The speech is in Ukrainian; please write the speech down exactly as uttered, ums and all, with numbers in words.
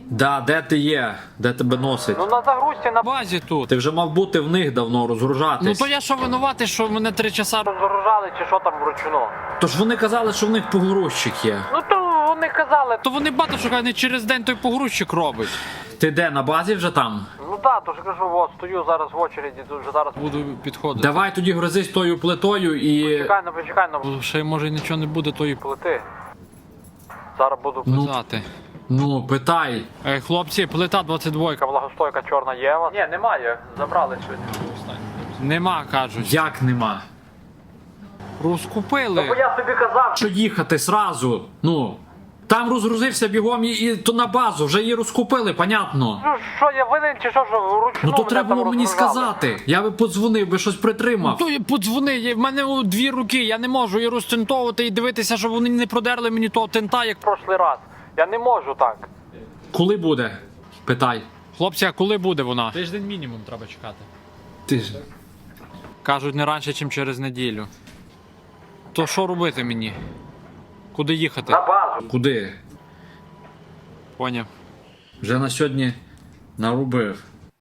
Да, де ти є? Де тебе носить? Ну на загрузці на базі тут. Ти вже мав бути в них давно, розгружатись. Ну то я що винуватий, що мене три часа розгружали чи що там вручну? Тож вони казали, що в них погрузчик є. Ну то вони казали. То вони бачать, що не через день той погрузчик робить. Ти де, на базі вже там? Ну так, то ж кажу, от стою зараз в очереді, тут вже зараз буду підходити. Давай тоді грозись тою плитою і... Почекай, ну почекай, ну ще може нічого не буде тої плити. Зараз буду писати. Ну, питай. Е, хлопці, плита двадцять два. Влагостойка чорна є у вас? Ні, немає. Забрали сьогодні. Нема, кажуть. Як нема? Розкупили. Ну, я тобі казав, що їхати сразу. Ну, там розгрузився бігом і, і то на базу, вже її розкупили, понятно. Ну що, я винен чи що, що вручну Ну то мене треба там було мені розгружали? сказати. Я би подзвонив, би щось притримав. То я подзвони, я- в мене у дві руки, я не можу і розтентовувати, і дивитися, щоб вони не продерли мені того тента, як прошлий раз. Я не можу так. Коли буде? Питай. Хлопці, а коли буде вона? Тиждень мінімум треба чекати. Ти ж. Кажуть, не раніше, ніж через неділю. То що робити мені? Куди їхати? базу. Куди? Поняв. Вже на сьогодні нарубив.